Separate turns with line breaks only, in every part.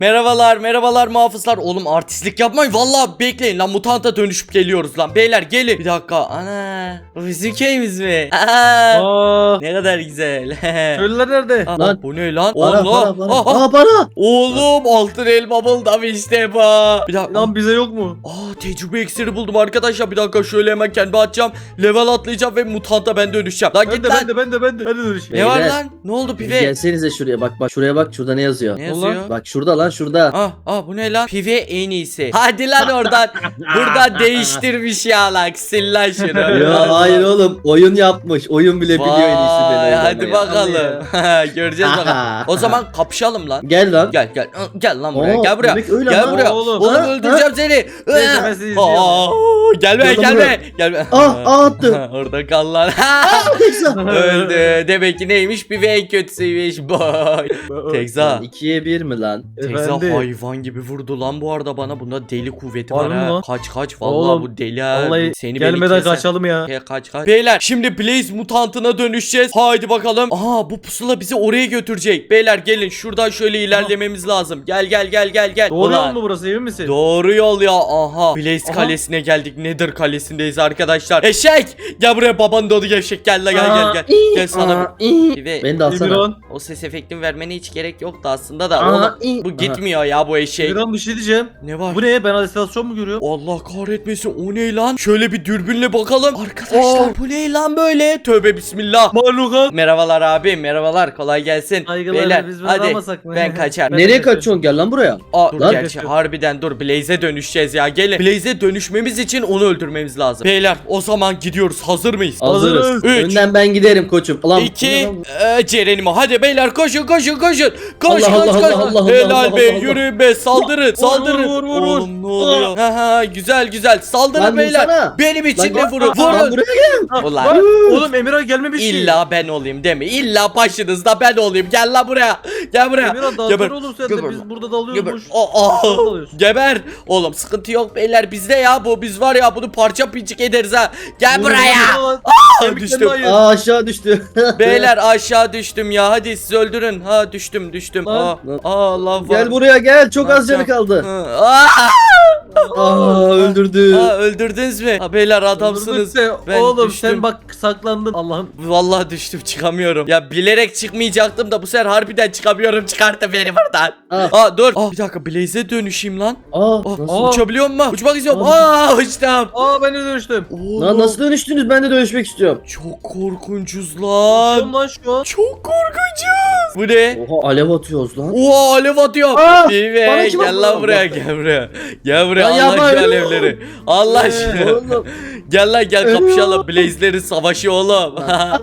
Merhabalar muhafızlar. Oğlum artistlik yapmayın. Vallahi bekleyin lan, mutanta dönüşüp geliyoruz lan. Beyler gelin. Bir dakika. Ana. Bu bizim köyümüz mü?
Aa,
Ne kadar güzel.
köylüler nerede?
Aa,
Lan.
bu ne lan?
Para
Allah.
para
Aha.
para. Aa, para.
Oğlum altın elma buldum işte bu. Bir dakika.
Lan bize yok mu?
Tecrübe iksiri buldum arkadaşlar. Bir dakika şöyle hemen kendime atacağım. Level atlayacağım ve mutanta ben dönüşeceğim. Lan git lan.
Ben de dönüşeyim.
Ne var
Beyler.
lan? Ne oldu
Siz
pive?
gelsenize şuraya bak şuraya bak şurada ne yazıyor?
Ne yazıyor?
Bak şurada lan şurada.
Bu ne lan? Pive en iyisi. Hadi lan oradan. Buradan değiştirmiş ya lan. Sil lan şunu.
Ya hayır oğlum oyun yapmış. Oyun bile biliyor en iyisi
Vay,
beni.
hadi bakalım. Göreceğiz bakalım. O zaman kapışalım lan.
Gel lan.
Gel lan buraya.
Aa,
Gel buraya.
demek öyle
Gel
lan.
buraya.
Oğlum.
Oğlum
Ha,
öldüreceğim seni.
Neyse, ben sizi izliyorum.
Gelme
Gel lan
gelme.
attı.
Orada kal lan.
Tekza.
Öldü. Demek ki neymiş? Pive en kötüsüymüş. Boy. Tekza.
2'ye 1 mi lan?
Tekza
Efendi.
hayvan gibi vurdu lan bu arada bana. Bunda deli kuvveti var
Harbi
ha.
lan.
Kaç. Vallahi
Oğlum,
bu deli ha.
Vallahi
Seni
gelmeden
keser.
kaçalım ya.
Kaç. Beyler şimdi Blaze mutantına dönüşeceğiz. Haydi bakalım. Aha bu pusula bizi oraya götürecek. Beyler gelin şuradan şöyle ilerlememiz lazım. Gel.
Doğru
Ulan,
yol mu burası, emin misin?
doğru yol ya. Aha. Blaze
Aha.
kalesine geldik. Nether kalesindeyiz arkadaşlar. Eşek. Gel buraya babanın doğdu eşek. Gel la gel. Gel sana. Ve
Beni de alsana.
Emirhan.
o ses efektini vermene hiç gerek yoktu aslında da.
Aa,
Oğlum, bu gitmiyor ya bu eşek.
Emirhan bir şey diyeceğim.
Ne var?
Bu ne? Ben halüsinasyon mu görüyorum?
Allah kahretmesin, o ne lan? Şöyle bir dürbünle bakalım. Arkadaşlar bu ne lan böyle? Tövbe bismillah.
Mahlukat.
Merhabalar abi, merhabalar, kolay gelsin.
Saygılar,
Beyler
biz bunu
hadi
almasak mı?
ben kaçar.
Ben
Nereye
de
kaçıyorsun? Gel lan buraya.
Dur
Lan.
gerçi harbiden dur, Blaze'e dönüşeceğiz ya, gelin. Blaze'e dönüşmemiz için onu öldürmemiz lazım. Beyler o zaman gidiyoruz, hazır mıyız?
Hazırız.
Hazırız.
Üç.
Önden ben giderim koçum. Ulan.
2 Ceren'ime hadi beyler, koşun. Koş.
Allah, Allah,
Helal
Allah,
be,
Allah.
yürüyün be, saldırın.
vur.
Oğlum ne oluyor? Güzel saldırın
Lan
beyler.
vursana.
Benim için de
Lan,
vurun.
Lan
Vurun.
buraya gel.
Ah,
Ulan.
bak, oğlum Emirhan gelmemiş ki.
İlla ben olayım değil mi? İlla başınızda ben olayım. Gel lan buraya. Gel buraya.
Emirhan
Geber.
dalgar olur sen de,
Geber.
biz burada
Geber.
dalıyoruz. Dalıyoruz.
Geber. Oğlum sıkıntı yok beyler, bizde ya bu. Biz var ya bunu parça pinçik ederiz ha. Gel buraya. Düştüm.
Aa aşağı düştü.
Beyler aşağı düştüm ya. Hadi siz öldürün. Düştüm.
Lan.
Allah var.
Gel buraya gel. Çok az canı kaldı. Öldürdü.
Öldürdünüz mü? Beyler adamsınız. Ben
Oğlum
düştüm.
sen bak saklandın. Allah'ım.
Vallahi düştüm, çıkamıyorum. Ya bilerek çıkmayacaktım da bu sefer harbiden çıkamıyorum. Çıkarttı beni buradan. Dur. Bir dakika, Blaze'e dönüşeyim lan.
Nasıl?
Uçabiliyor mu? Uçmak istiyorum. Uçtum.
Ben de dönüştüm.
Lan nasıl dönüştünüz? Ben de dönüşmek istiyorum.
Çok korkunçuz lan.
Uçuyorum lan şu an.
Çok korkunçuz. Bu ne?
Oha alev atıyoruz lan.
Oha alev atıyor.
Bana
Pive
kim
gel
atıyor?
lan buraya, gel buraya. Gel buraya,
Lan
Allah
yapma
şu
öyle.
alevleri. Allah aşkına.
Oğlum.
Gel lan gel kapışalım. Blaze'lerin savaşı oğlum.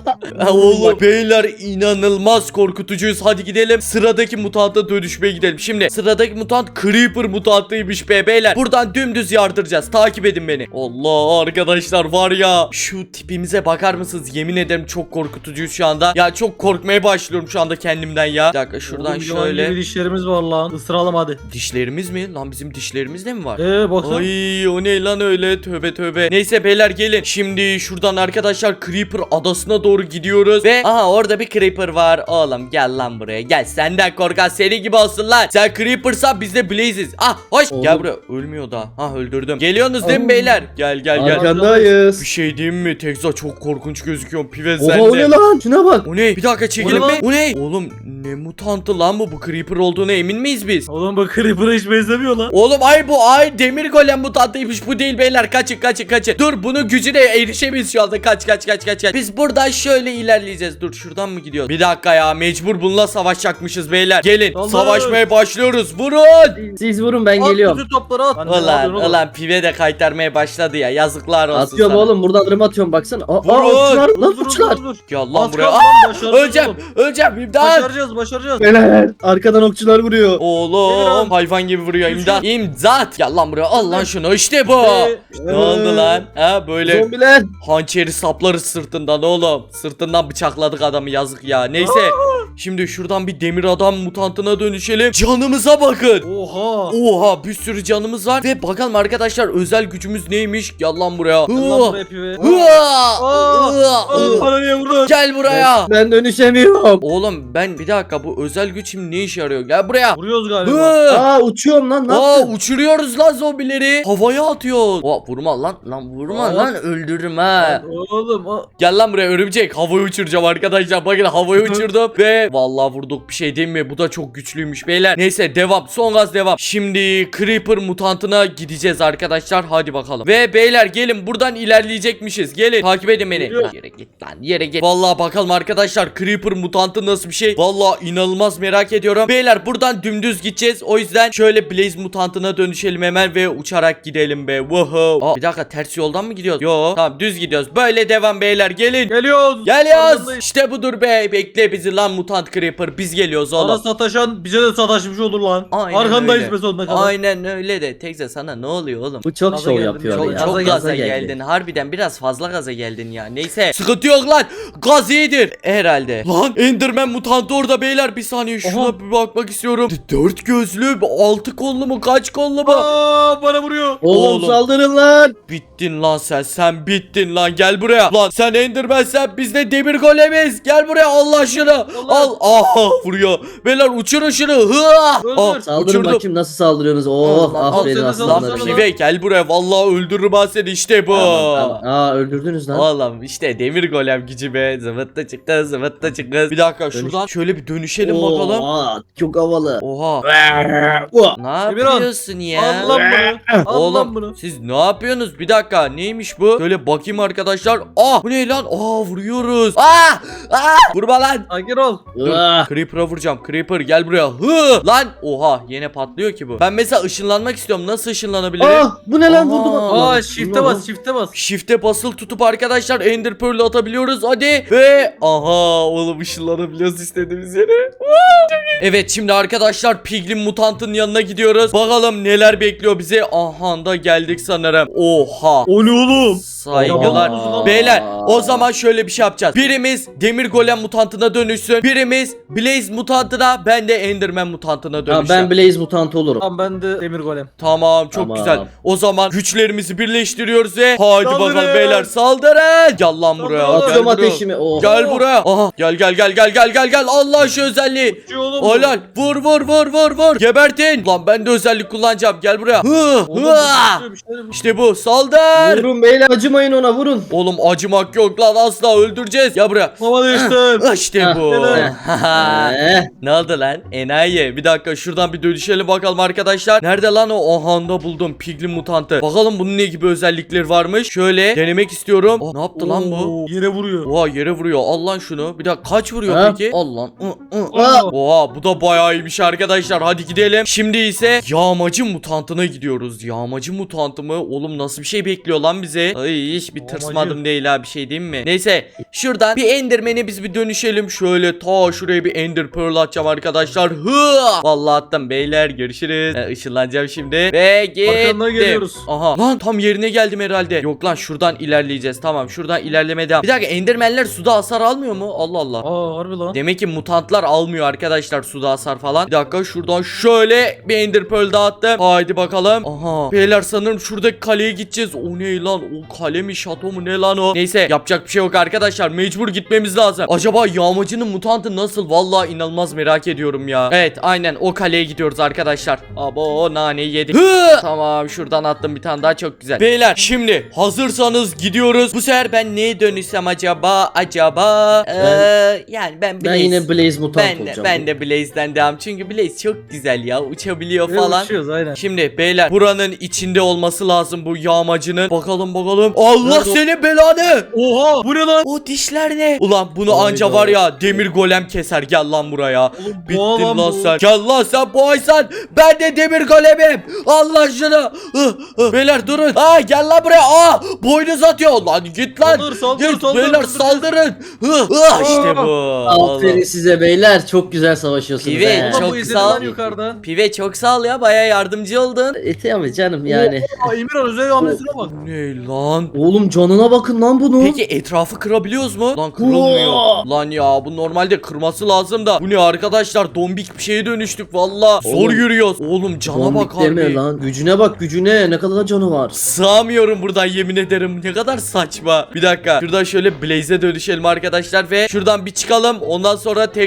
Oğlum beyler inanılmaz korkutucuyuz. Hadi gidelim sıradaki mutanta dönüşmeye gidelim. Şimdi sıradaki mutant Creeper mutantıymış be beyler. Buradan dümdüz yardıracağız. Takip edin beni. Allah arkadaşlar var ya, şu tipimize bakar mısınız? Yemin ederim çok korkutucuyuz şu anda. Ya çok korkmaya başlıyorum şu anda kendimden ya. Bir dakika şuradan
Oğlum,
şöyle.
yılan gibi dişlerimiz var lan. Isıralım hadi.
Dişlerimiz mi? Lan bizim dişlerimiz de mi var?
Baksana.
Ay o ne lan öyle, tövbe. Neyse beyler gelin. Şimdi şuradan arkadaşlar Creeper adasına doğru gidiyoruz. Ve orada bir Creeper var. Oğlum gel lan buraya. Gel, senden korkan seni gibi olsun lan. Sen Creeper'san biz de Blaze'iz. Hoş.
Oğlum.
Gel buraya. Ölmüyor da. Öldürdüm. Geliyorsunuz değil mi beyler? Gel.
Arkandayız.
Bir şey diyeyim mi? Tekza çok korkunç gözüküyor. Pive
Oha
sen
o
de.
ne lan? Şuna bak.
O ne? Bir dakika çekelim
O ne
mi? O ne? Oğlum ne mutantı lan bu? Bu Creeper olduğuna emin miyiz biz?
Oğlum bak Creeper'a hiç benzemiyor lan.
Oğlum bu demir golem mutantıymış, bu değil beyler, kaçın. Dur, bunun gücüne erişemeyiz şu anda, kaç. Biz buradan şöyle ilerleyeceğiz. Dur, şuradan mı gidiyoruz? Bir dakika ya, mecbur bununla savaşacakmışız beyler. Gelin
Allah.
savaşmaya başlıyoruz, vurun.
Siz vurun ben
At
geliyorum.
bütün topları at. Lan ne yapıyorsun oğlum?
Ulan pive de kaytarmaya başladı ya, yazıklar olsun
Atıyorum
sana.
oğlum buradan rım atıyorum baksana.
Vurun.
Okçular lan
Dur,
okçular.
dur.
Gel lan
Az
buraya.
kaldı lan, başaracağız
Öleceğim
oğlum.
imdat.
Başaracağız.
Beyler arkadan okçular vuruyor.
Oğlum
Emirhan.
hayvan gibi vuruyor,
Düşün.
imdat. Gel lan buraya, al lan şunu, işte bu. Ne oldu lan? Böyle
Zombiler.
hançeri saplarız sırtından oğlum. Sırtından bıçakladık adamı, yazık ya. Neyse. Şimdi şuradan bir demir adam mutantına dönüşelim. Canımıza bakın. Oha bir sürü canımız var. Ve bakalım arkadaşlar özel gücümüz neymiş? Gel lan buraya.
Allah buraya pive.
Hıa!
Bana niye vurdun?
Gel buraya.
Ben dönüşemiyorum.
Oğlum ben bir dakika dakika, bu özel güç şimdi ne işe yarıyor? Gel buraya.
Vuruyoruz galiba.
Hı.
Aa uçuyorum lan. Ne yaptın?
Uçuruyoruz lan zombileri. Havaya atıyoruz. Vurma lan. Lan vurma
Aa.
lan, öldürürüm ha.
Oğlum
Gel lan buraya örümcek. Havaya uçuracağım arkadaşlar. Bakın havaya uçurdum ve vallahi vurduk, bir şey değil mi? Bu da çok güçlüymüş beyler. Neyse devam. Son gaz devam. Şimdi Creeper mutantına gideceğiz arkadaşlar. Hadi bakalım. Ve beyler gelin, buradan ilerleyecekmişiz. Gelin takip edin beni.
Geliyor.
Lan yere git lan, yere git. Vallahi bakalım arkadaşlar, Creeper mutantı nasıl bir şey? Vallahi inanılmaz merak ediyorum. Beyler buradan dümdüz gideceğiz. O yüzden şöyle Blaze mutantına dönüşelim hemen ve uçarak gidelim be. Wow. Bir dakika, ters yoldan mı gidiyoruz? Yo, tamam düz gidiyoruz. Böyle devam beyler, gelin.
geliyoruz.
Geliyoruz.
Arkandayız.
İşte budur be. Bekle bizi lan mutant Creeper. Biz geliyoruz
Sana
oğlum.
sataşan bize de sataşmış olur lan.
Aynen
Arkandayız
öyle.
be sonuna kadar.
Aynen öyle de. Tekze sana ne oluyor oğlum?
Bu çok
Gaza
şov
geldim,
yapıyor.
çok-
ya.
Çok
gaza
gaza
geldi.
geldin. Harbiden biraz fazla gaza geldin ya. Neyse. Sıkıntı yok lan. Gaz iyidir. Herhalde. Lan Enderman mutantı orada beyler. Bir saniye şuna
Aha.
bir bakmak istiyorum. 4 gözlü, 6 kollu mu, kaç kollu mu?
Aa, bana vuruyor.
Oğlum saldırın lan.
Bittin lan sen. Sen bittin lan. Gel buraya. Lan sen Enderman, sen, biz de demir golemiz. Gel buraya, Allah şunu. Al. Aha vuruyor. Beyler uçurun şunu. Hıa.
Öldür.
Saldırın
Uçurdum.
bakayım nasıl saldırıyorsunuz. Oh
Al, al,
aferin
al,
aslanlarım.
al,
Lan
al, al.
Pive gel buraya. Vallahi öldürürüm ben seni. İşte bu.
Tamam. Aa öldürdünüz lan.
Oğlum işte demir golem gücü be. Zıvıtta çıktı, zıvıtta çıktı. Bir dakika şuradan şöyle bir dönüşelim bakalım.
Aa, çok havalı.
Oha.
Oh.
Ne
Emirhan,
yapıyorsun ya?
Al lan bunu. Al lan bunu.
Oğlum siz ne yapıyorsunuz? Bir dakika, neymiş bu? Şöyle bakayım arkadaşlar. Bu ne lan? Vuruyoruz. Vurma lan.
Sakin ol.
Ah.
Creeper'a vuracağım. Creeper gel buraya. Hı lan. Oha, yine patlıyor ki bu. Ben mesela ışınlanmak istiyorum. Nasıl ışınlanabilirim?
Ah, bu ne lan
Aha.
vurdu bak.
Aa
Lan,
shift'e
bu ne
bas
lan?
shift'e bas.
Shift'e basılı tutup arkadaşlar Ender Pearl'ü atabiliyoruz. Hadi. Ve aha oğlum, ışınlanabiliyoruz istediğimiz yere. Evet, şimdi arkadaşlar Piglin mutantın yanına gidiyoruz. Bakalım neler bekliyor bizi. Aha da geldik sanırım. Oha.
O ne oğlum?
Saygılar.
Aa.
Beyler o zaman şöyle bir şey yapacağız. Birimiz demir golem mutantına dönüşsün. Birimiz Blaze mutantına, ben de Enderman mutantına
Ha,
dönüşeceğim.
ben Blaze mutantı olurum.
Tamam ben de demir golem.
Tamam, çok
Tamam.
güzel. O zaman güçlerimizi birleştiriyoruz ve hadi
Saldırın.
bakalım beyler, saldırın. Gel lan buraya.
Saldırın.
Gel
Atıyorum
buraya.
ateşimi. Oh.
Gel buraya. Aha gel. Allah şu özelliği.
Uçuyor oğlum bu.
Helal. Vur. Gebertin. Lan ben de özellik kullanacağım. Gel buraya.
Oğlum, bu uçuyor, bir şeyler bu.
İşte bu. Saldır.
Vurun beyler, acımayın ona, vurun.
Oğlum acımak yok lan, asla öldüreceğiz. Gel buraya.
Hava değiştir.
İşte
Heh,
bu.
Eh.
Ne oldu lan? Enayi. Bir dakika şuradan bir dönüşelim bakalım arkadaşlar. Nerede lan o? Ahanda buldum. Piglin mutantı. Bakalım bunun ne gibi özellikleri varmış. Şöyle denemek istiyorum. Ne yaptı lan bu?
Oo, yere vuruyor.
Oha, yere vuruyor. Al lan şunu. Bir dakika, kaç vuruyor
Ha?
peki? Al lan.
Aa.
Oha, bu da bayağı iyiymiş arkadaşlar. Hadi gidelim. Şimdi ise yağmacı mutantına gidiyoruz. Yağmacı mutantı mı? Oğlum nasıl bir şey bekliyor lan bize? Ay hiç bir
Yağmacı.
tırsmadım değil ha, bir şey diyeyim mi? Neyse şuradan bir Enderman'e biz bir dönüşelim. Şöyle ta şuraya bir Ender Pearl atacağım arkadaşlar. Vallahi attım beyler, görüşürüz. Işınlanacağım şimdi. Ve
Arkandan
gittim.
geliyoruz.
Aha lan, tam yerine geldim herhalde. Yok lan, şuradan ilerleyeceğiz. Tamam, şuradan ilerleme devam. Bir dakika, Enderman'ler suda hasar almıyor mu? Allah Allah.
Aa harbi lan.
Demek ki mutantlar almıyor arkadaşlar suda hasar falan. Bir dakika, şuradan şöyle bir Ender Pearl dağıttım. Haydi bakalım. Aha. Beyler sanırım şuradaki kaleye gideceğiz. O ne lan? O kale mi, şato mu, ne lan o? Neyse, yapacak bir şey yok arkadaşlar. Mecbur gitmemiz lazım. Acaba yağmacının mutantı nasıl? Vallahi inanılmaz merak ediyorum ya. Evet, aynen o kaleye gidiyoruz arkadaşlar. Abo, naneyi yedik. Tamam, şuradan attım bir tane daha, çok güzel. Beyler şimdi hazırsanız gidiyoruz. Bu sefer ben neye dönüşsem acaba? Yani ben
Ben yine Blaze mutant olacağım.
ben de Blaze'den devam. Çünkü Blaze çok güzel ya. Uçabiliyor
Ve
falan.
uçuyoruz aynen.
Şimdi beyler, buranın içinde olması lazım bu yağmacının. Bakalım. Allah
Nerede o?
senin belanı.
Oha bu ne lan?
O dişler ne? Ulan bunu
Hayda.
anca var ya demir golem keser. Gel lan buraya.
Oğlum,
Bittin
boğa
lan
bu.
sen. Gel lan sen, boğaysan. Ben de demir golemim. Allah şunu. Beyler durun. Gel lan buraya. Boynuz atıyor. Lan git lan.
Saldır,
Git
saldır,
beyler,
saldır.
saldırın. İşte bu.
Aferin
Oğlum.
size beyler, çok güzel savaşıyorsunuz.
Pive,
he.
çok
Çok bu izledi
sağ ol.
lan yukarıdan.
Pive çok sağ ol ya. Baya yardımcı oldun.
Tabii canım yani.
Aa Emirhan özel hamlesine bak.
Ne lan?
Oğlum canına bakın lan bunu.
Peki etrafı kırabiliyoruz mu? Lan kırılmıyor.
Oo.
Lan ya, bu normalde kırması lazım da. Bu ne arkadaşlar? Dombik bir şeye dönüştük valla. Zor
Oğlum.
yürüyoruz. Oğlum cana bak
Zombik deme
harbi.
lan. Gücüne bak, gücüne. Ne kadar da canı var.
Sığamıyorum buradan, yemin ederim. Ne kadar saçma. Bir dakika. Şuradan şöyle Blaze'e dönüşelim arkadaşlar ve şuradan bir çıkalım. Ondan sonra tekrar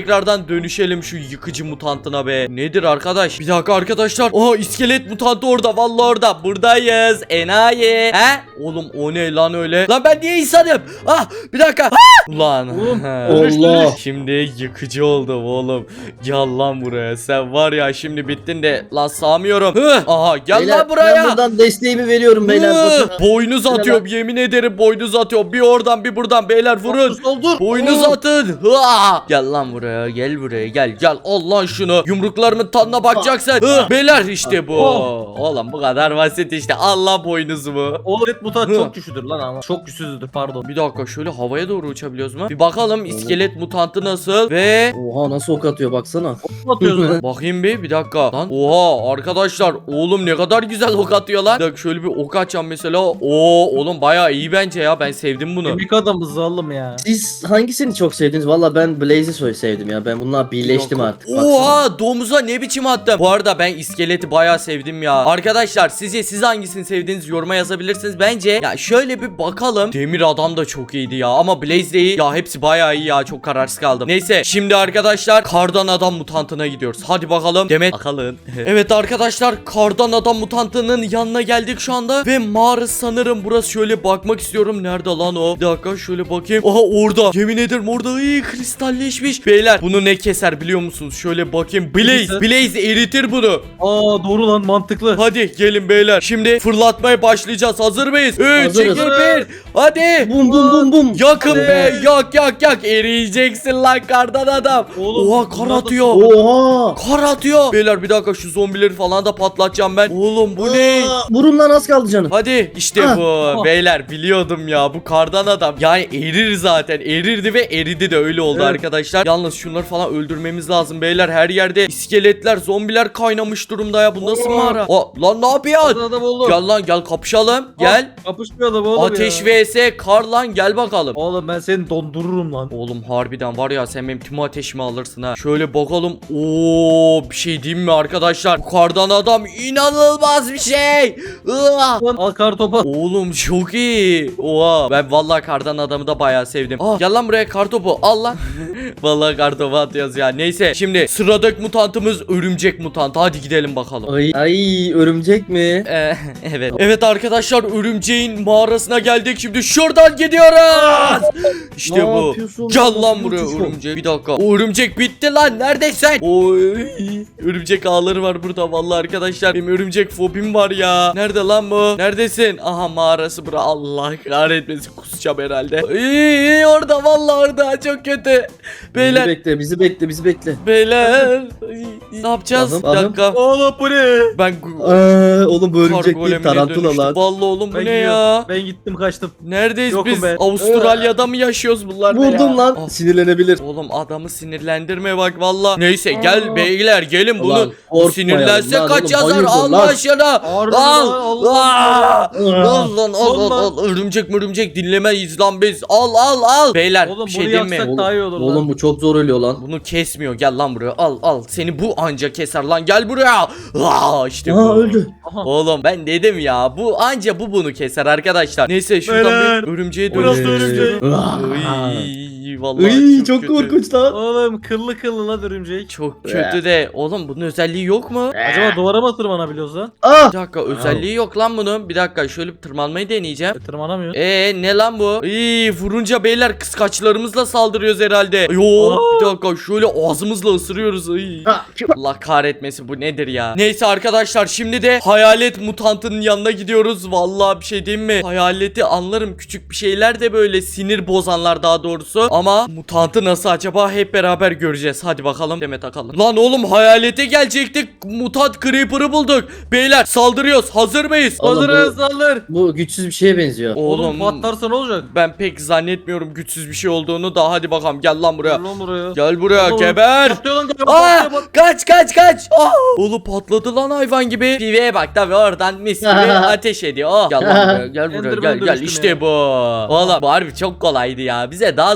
tekrardan dönüşelim şu yıkıcı mutantına be. Nedir arkadaş? Bir dakika arkadaşlar. Aha iskelet mutantı orada. Vallahi orada. Buradayız. Enayi. He? Oğlum o ne lan öyle? Lan ben niye insanım? Ah bir dakika. Ah! Ulan.
Oğlum,
Allah.
Şimdi yıkıcı oldum oğlum. Gel lan buraya. Sen var ya şimdi bittin de. Lan sağmıyorum. Hı. Aha gel
Beyler,
lan buraya.
Ben buradan desteğimi veriyorum beyler.
Hı.
Bakın.
Boynuz atıyorum. Yemin ederim boynuz atıyorum. Bir oradan bir buradan beyler vurun.
Soldur.
Boynuz atın. Hıa! Gel lan buraya. Gel buraya. Gel. Gel. Al lan şunu. Yumruklarımın tadına bakacaksın. Hı. Beyler işte bu. Oğlum bu kadar basit işte. Allah boynuzumu.
O red mutant
Hı.
çok güçlüdür lan ama. Çok güçsüzdür pardon.
Bir dakika şöyle havaya doğru uçabiliyoruz mu? Bir bakalım iskelet mutantı nasıl ve
Oha nasıl ok atıyor baksana.
Atıyoruz lan.
bakayım bir dakika lan. Oha arkadaşlar oğlum ne kadar güzel ok atıyor lan. Bir dakika şöyle bir ok atacağım mesela. Oo oğlum bayağı iyi bence ya. Ben sevdim bunu.
Kemik adamız oğlum ya.
Siz hangisini çok sevdiniz? Valla ben Blaze'i sevdim ya. Ben bununla birleştim artık. Baksana.
Oha domuza ne biçim attım. Bu arada ben iskeleti bayağı sevdim ya. Arkadaşlar siz hangisini sevdiğiniz yoruma yazabilirsiniz. Bence ya şöyle bir bakalım. Demir adam da çok iyiydi ya. Ama Blaze de iyi. Ya hepsi bayağı iyi ya. Çok kararsız kaldım. Neyse şimdi arkadaşlar kardan adam mutantına gidiyoruz. Hadi bakalım. Demet bakalım. Evet arkadaşlar kardan adam mutantının yanına geldik şu anda. Ve mağara sanırım burası. Şöyle bakmak istiyorum. Nerede lan o? Bir dakika şöyle bakayım. Aha orada. Yemin ederim orada. İyi kristalleşmiş. Beyler bunu ne keser biliyor musunuz? Şöyle bakayım.
Keser.
Blaze eritir bunu.
Aa doğru lan mantıklı.
Hadi gelin beyler. Şimdi fırlatmaya başlayacağız. Hazır mıyız? 3, 2,
Hazırız.
1. Hadi.
Bum bum bum bum.
Yakın be. Yak. Eriyeceksin lan kardan adam.
Oğlum,
Oha kar
bunlar da-
atıyor.
Oha.
Kar atıyor. Beyler bir dakika şu zombileri falan da patlatacağım ben. Oğlum bu ne?
Vurun lan az kaldı canım.
Hadi işte
Ah.
bu. Beyler biliyordum ya bu kardan adam. Yani erir zaten. Erirdi ve eridi de öyle oldu
Evet.
arkadaşlar. Yalnız şunları falan öldürmemiz lazım beyler. Her yerde iskeletler, zombiler kaynamış durumda ya. Bu nasıl mağara? Lan ne yapıyorsun?
Adam oldu.
Gel lan gel kapışalım. Gel.
Kapışmayalım oğlum
Ateş
ya.
vs kar lan gel bakalım.
Oğlum ben seni dondururum lan.
Oğlum harbiden var ya sen benim tüm ateşimi alırsın ha. Şöyle bakalım. Oo bir şey diyeyim mi arkadaşlar? Bu kardan adam inanılmaz bir şey. Iah!
Lan al kar topa.
Oğlum çok iyi. Oha ben vallahi kardan adamı da bayağı sevdim. Gel lan buraya kartopu al lan. Vallahi kartopu atıyoruz ya. Neyse şimdi sıradaki mutantımız örümcek mutantı. Hadi gidelim bakalım.
Ay örümcek mi?
Evet. Evet arkadaşlar örümceğin mağarasına geldik. Şimdi şuradan gidiyoruz. İşte
Ne
bu.
yapıyorsun
Gel
lan?
lan buraya
Uçuş bu.
örümcek. Bir dakika. O örümcek bitti lan. Neredesin? Oy. Örümcek ağları var burada vallahi arkadaşlar. Benim örümcek fobim var ya. Nerede lan bu? Neredesin? Aha mağarası bura. Allah kahretmesin. Kusacağım herhalde. İyi orada vallahi orada. Çok kötü. Beyler.
Bizi bekle.
Beyler. Ay, ne yapacağız?
Ahım,
Bir dakika.
Oğlum bu ne?
Ben
Oğlum bu örümcek değil
golemine
tarantula
dönüştüm.
lan.
Vallahi oğlum bu
Ben
ne
gidiyorum.
ya?
Ben gittim kaçtım.
Neredeyiz
Yokum
biz?
ben.
Avustralya'da mı yaşıyoruz bunlar ne ya?
Vurdum lan.
Ah,
Sinirlenebilir.
oğlum adamı sinirlendirme bak valla. Neyse
Aa.
gel beyler gelin
Ulan,
bunu
korkmayalım
sinirlense
lan
kaç
oğlum,
yazar
hayırdır
al
lan?
başına.
Harbi
Al.
lan, Allah.
Aa! Al lan al
Oğlum
al al. Örümcek dinlemeyiz lan biz. Al. Beyler
Oğlum
bir
bunu
şey diyeyim mi?
yaksak daha iyi olur lan.
Oğlum bu çok zor ölüyor lan.
Bunu kesmiyor gel lan buraya al. Seni bu anca keser lan gel buraya. İşte bu.
Öldü.
Aha.
Oğlum ben dedim ya bu anca bunu keser arkadaşlar. Neyse şuradan
Beyler,
bir örümceğe
burası
dönüştürürüz.
örümcek.
Iy, vallahi
Iy,
çok
çok
kötü.
korkunç lan.
Oğlum kıllı lan örümcek.
Çok kötü de oğlum bunun özelliği yok mu?
Acaba duvara mı tırmanabiliyoruz lan?
Ah!
Bir dakika özelliği yok lan bunun. Bir dakika şöyle bir tırmanmayı deneyeceğim.
Tırmanamıyor.
Ne lan bu? Vurunca beyler kıskaçlarımızla saldırıyoruz herhalde. Yo bir dakika şöyle ağzımızla ısırıyoruz.
Ha,
Allah kahretmesin bu nedir ya? Neyse arkadaşlar şimdi de hayalet mutantının yanına gidiyoruz. Vallahi bir şey diyeyim mi? Hayaleti anlarım küçük bir şeyler de böyle sinir bozanlar daha doğrusu. Ama mutantı nasıl acaba hep beraber göreceğiz. Hadi bakalım Demet takalım. Lan oğlum hayalete gelecektik. Mutant Creeper'ı bulduk. Beyler saldırıyoruz. Hazır mıyız?
Oğlum,
Hazırız saldır.
Bu güçsüz bir şeye benziyor.
Oğlum patlarsa ne olacak?
Ben pek zannetmiyorum güçsüz bir şey olduğunu da hadi bakalım gel lan buraya.
Gel lan buraya.
Gel buraya
Oğlum,
geber.
patlıyor lan, galiba,
Aa,
patlıyor, patlıyor.
kaç. Oğlum patladı lan hayvan gibi. Piveye bak tabi oradan mis gibi ateş ediyor. Gel lan buraya gel
Enderman
gel
dönüştüm
işte
ya.
bu. Oğlum bu harbi çok kolaydı ya. Bize daha zor bir şeyler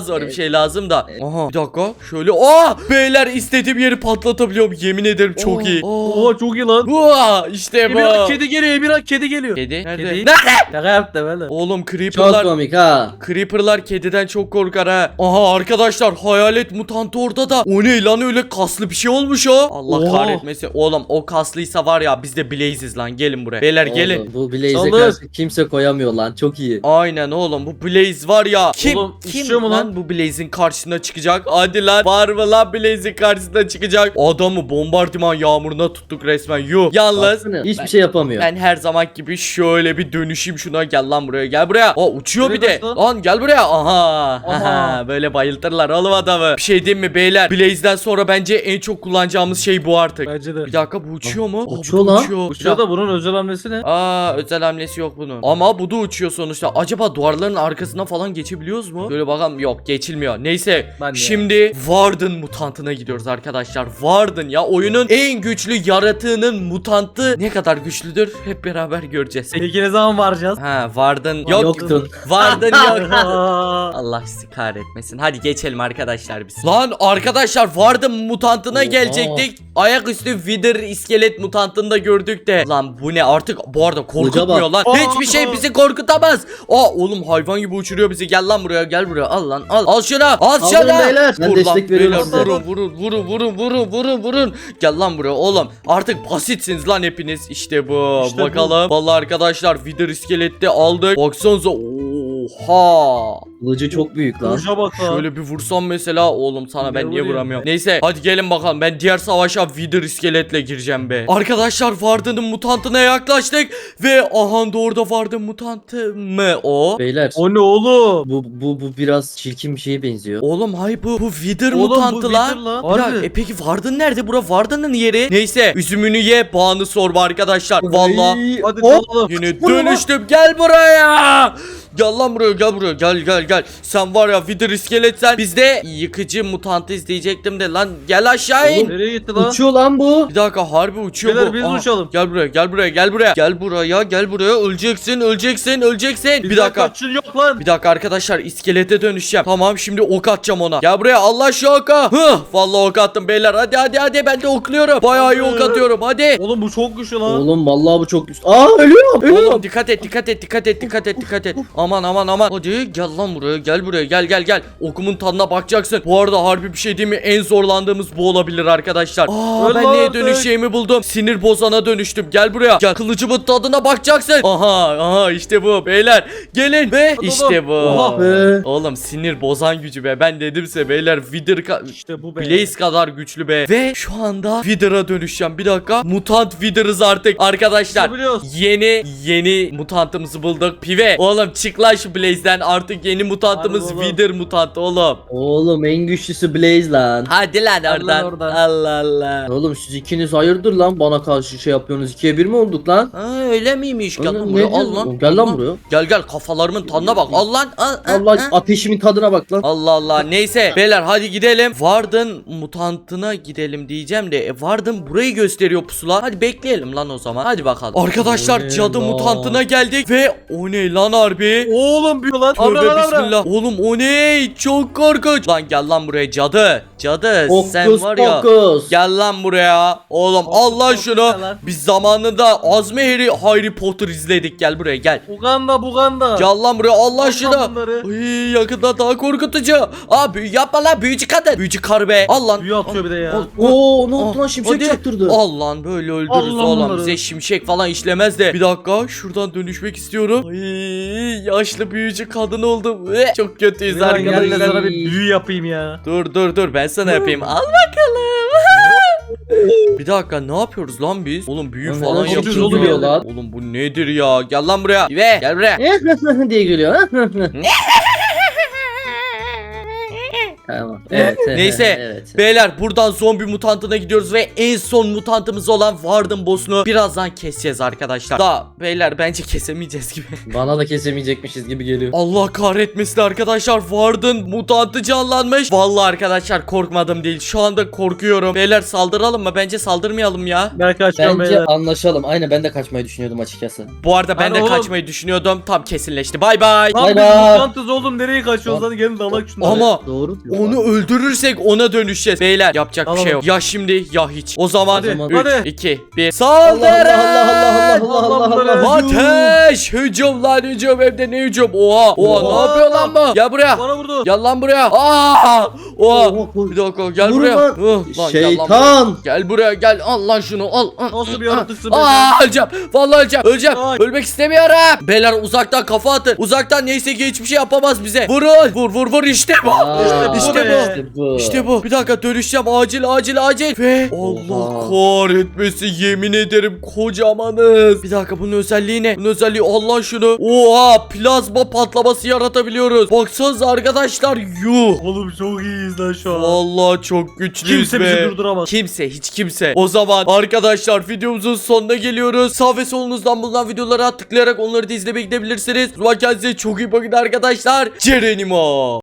şey lazım da. Aha bir dakika şöyle. Beyler istediğim yeri patlatabiliyorum. Yemin ederim çok iyi.
Oo çok iyi lan.
İşte bu.
Emirhan kedi geliyor. Emirhan kedi geliyor.
Kedi? Nerede?
Kedi.
Nerede?
Şaka yaptı böyle.
Oğlum
Çok
creeper'lar.
komik ha.
Creeper'lar kediden çok korkar ha. Aha arkadaşlar hayalet mutantı orada da. O ne lan öyle kaslı bir şey olmuş o. Allah
Oha.
kahretmesin. Oğlum o kaslıysa var ya biz de Blaze'iz lan. Gelin buraya. Beyler gelin.
Oğlum, bu Blaze'e
Saldır.
karşı kimse koyamıyor lan. Çok iyi.
Aynen oğlum bu Blaze var ya. Kim
Oğlum,
kim
uçuyor mu
lan
lan?
bu Blaze'in karşısına çıkacak? Hadi lan var mı lan Blaze'in karşısına çıkacak? Adamı bombardıman yağmuruna tuttuk resmen. Yuh. Yalnız
Baksana, hiçbir şey yapamıyor.
ben her zaman gibi şöyle bir dönüşeyim şuna. Gel lan buraya, gel buraya. Uçuyor bir
Nereye
de.
kaçtı?
Lan gel buraya. Aha.
Aha.
Böyle bayıltırlar oğlum adamı. Bir şey diyeyim mi beyler? Blaze'den sonra bence en çok kullanacağımız şey bu artık.
Bence de.
Bir dakika bu uçuyor mu?
Uçuyor
bu da
lan.
uçuyor.
Uçuyor da bunun özel hamlesi ne?
Özel hamlesi yok bunun. Ama bu da uçuyor sonuçta. Acaba duvarların arkasına falan geçebiliyoruz mu? Böyle bakalım. Yok geçilmiyor. Neyse.
Ben de
Şimdi Warden mutantına gidiyoruz arkadaşlar. Warden ya oyunun en güçlü yaratığının mutantı ne kadar güçlüdür? Hep beraber göreceğiz.
Peki ne zaman varacağız?
Warden yok.
Yoktun.
Warden yok.
Aa,
Allah sizi kahretmesin. Hadi geçelim arkadaşlar biz. Lan arkadaşlar Warden mutantına
Oha.
gelecektik. Ayaküstü Wither iskelet mutantını da gördük de. Lan bu ne artık bu arada korkutmuyor lan.
Aa.
Hiçbir şey bizi korkutamaz. Oğlum hayvan gibi uçuruyor bizi. Gel lan buraya, gel buraya. Al lan al. Al şuna. Al
Alın
şuna.
beyler. Ben
Vur lan
destek veriyorum
beyler,
size.
vurun. Gel lan buraya oğlum. Artık basitsiniz lan hepiniz. İşte bu.
İşte bu.
Bakalım. Vallahi arkadaşlar Wither iskeleti aldık. Baksanıza. Oha.
Kılıcı çok büyük lan.
Burca bak ha.
Şöyle bir vursam mesela oğlum sana ben
Ne
niye
vuruyorsun
vuramıyorum. Neyse hadi gelin bakalım ben diğer savaşa Wither iskeletle gireceğim be. Arkadaşlar Warden'ın mutantına yaklaştık ve aha da orada Warden mutantı mı o?
Beyler.
O ne oğlum?
Bu biraz çirkin bir şeye benziyor.
Oğlum hayır bu Wither
Oğlum, bu
mutantı lan.
Wither lan.
Bir dakika,
Harbi.
peki Warden nerede? Bura Warden'ın yeri. Neyse üzümünü ye bağını sorma arkadaşlar. Valla
Ay,
Hadi
hop.
dalalım.
yine
Vurma.
dönüştüm gel buraya. Gel lan buraya, gel buraya, gel. Sen var ya Wither iskelet sen. Biz de yıkıcı mutantı izleyecektim de lan gel aşağı in.
Oğlum,
Nereye gitti lan?
Uçuyor lan bu.
Bir dakika harbi uçuyor
Beyler,
bu.
biz
Aha,
uçalım.
Gel buraya. Gel buraya. Öleceksin. Bir dakika.
Kaçın yok lan.
Bir dakika arkadaşlar iskelete dönüşeceğim. Tamam şimdi ok atacağım ona. Gel buraya Allah şu oka. Vallahi ok attım beyler. Hadi ben de okluyorum. Bayağı iyi ok atıyorum hadi.
Oğlum bu çok güçlü lan.
Oğlum vallahi bu çok güçlü. Ölüyorum.
Oğlum dikkat et. Aman. Hadi gel lan buraya. Gel. Okumun tadına bakacaksın. Bu arada harbi bir şey değil mi? En zorlandığımız bu olabilir arkadaşlar.
Öl
Ben
lan
neye
artık.
dönüşeceğimi buldum. Sinir bozana dönüştüm. Gel buraya. Gel kılıcımın tadına bakacaksın. Aha işte bu beyler. Gelin ve
Hadi
işte
oğlum.
bu.
Oha
be.
Oğlum sinir bozan gücü be. Ben dedimse beyler Wither
İşte bu be.
Blaze kadar güçlü be. Ve şu anda Wither'a dönüşeceğim. Bir dakika. Mutant Wither'ız artık. Arkadaşlar
Biliyoruz.
yeni mutantımızı bulduk. Pive. Oğlum çık lan şu Blaze'den. Artık yeni mutantımız
Harbi oğlum.
Wither mutantı oğlum.
Oğlum en güçlüsü Blaze lan.
Hadi lan oradan.
oradan.
Allah.
Oğlum siz ikiniz hayırdır lan bana karşı şey yapıyorsunuz. 2'ye 1 mi olduk lan?
Öyle miymiş? Gel lan
Oğlum,
buraya.
ne
Al
diyorsun?
lan.
Gel lan
Al
buraya.
Gel kafalarımın tadına bak. Al lan. Al.
Allah ateşimin tadına bak lan.
Allah. Neyse beyler hadi gidelim. Warden mutantına gidelim diyeceğim de Warden burayı gösteriyor pusula. Hadi bekleyelim lan o zaman. Hadi bakalım. Arkadaşlar
O ne
cadı
lan?
mutantına geldik ve o ne lan harbi?
Oğlum büyüyor lan.
Tövbe
Abra.
bismillah. Oğlum o ne? Çok korkunç. Lan gel lan buraya cadı. Cadı sen
Fokus
var ya.
fokus.
Gel lan buraya. Oğlum al lan şunu.
gel lan.
Biz zamanında Azmi Harry Potter izledik. Gel buraya gel.
Buganda.
Gel lan buraya Allah
Al lan
şunu.
bunları.
Ay yakında daha korkutucu. Büyü yapma lan büyücü kadın. Büyücü karı be. Al lan.
Büyü atıyor bir de ya.
Al.
Oo ne oldu lan şimşek
Hadi.
çaktırdı.
Al lan böyle öldürürüz
Allah
oğlum.
bunları.
Bize şimşek falan işlemez de. Bir dakika şuradan dönüşmek istiyorum. Ay yaşlı büyücü kadın oldum. Çok kötüyüz
Ya gel de
arkadaşlar.
sana bir büyü yapayım ya.
Dur ben sana yapayım. Al bakalım. Bir dakika ne yapıyoruz lan biz? Oğlum büyü
Lan
falan
neden
yapıyoruz.
oğlum ya?
Oğlum bu nedir ya? Gel lan buraya. Ve gel buraya.
diye gülüyor. Tamam. Evet.
Neyse.
Evet.
Beyler buradan zombi mutantına gidiyoruz ve en son mutantımız olan Warden boss'unu birazdan keseceğiz arkadaşlar. Da beyler bence kesemeyeceğiz gibi.
Bana da kesemeyecekmişiz gibi geliyor.
Allah kahretmesin arkadaşlar, Warden mutantı canlanmış. Vallahi arkadaşlar korkmadım değil, şu anda korkuyorum. Beyler saldıralım mı? Bence saldırmayalım ya.
Ben kaçıyorum
Bence
beyler.
anlaşalım. Aynen ben de kaçmayı düşünüyordum açıkçası.
Bu arada ben
Lan
de
oğlum.
kaçmayı düşünüyordum, tam kesinleşti. Bay bay.
Lan
Bay
biz
bay.
mutantız oğlum, nereye kaçıyoruz? Hadi gelin dalak şunları.
Ama
Doğru diyor.
onu öldürürsek ona dönüşeceğiz. Beyler yapacak bir
Tamam.
şey yok. Ya şimdi ya hiç. O zaman
Hadi,
3,
hadi.
2, 1.
Allah
Saldırın!
Allah Allah Allah Allah Allah.
Ateş! Hücum lan hücum, hem de ne hücum? Oha! Oha, ne
Oha.
yapıyor lan bu? Gel buraya.
Bana vurdu.
Gel lan buraya. Aa! Oha!
Oha,
Bir dakika gel
Vurun
buraya.
lan.
Lan, gel lan buraya.
Şeytan.
Gel buraya gel. Al lan şunu. Al.
Nasıl bir yaratıksın be
Aa, öleceğim. Vallahi öleceğim. Öleceğim.
Ay.
Ölmek istemiyorum. Beyler uzaktan kafa atın. Uzaktan neyse ki hiçbir şey yapamaz bize. Vurun. Vur işte bu.
Aa,
İşte
bu.
İşte bu. Bir dakika dönüşeceğim. Acil. Ve Allah
Oha.
kahretmesin, yemin ederim kocamanız. Bir dakika, bunun özelliği ne? Bunun özelliği, Allah şunu. Oha, plazma patlaması yaratabiliyoruz. Baksanıza arkadaşlar. Yuh.
Oğlum çok iyiyiz lan şu an.
Vallahi çok güçlüyüz
Kimse
be.
bizi durduramaz.
Kimse, hiç kimse. O zaman arkadaşlar videomuzun sonuna geliyoruz. Sağ ve solunuzdan bulunan videolara tıklayarak onları da izlemeye gidebilirsiniz. O zaman kendinize çok iyi bakın arkadaşlar. Cerenimo.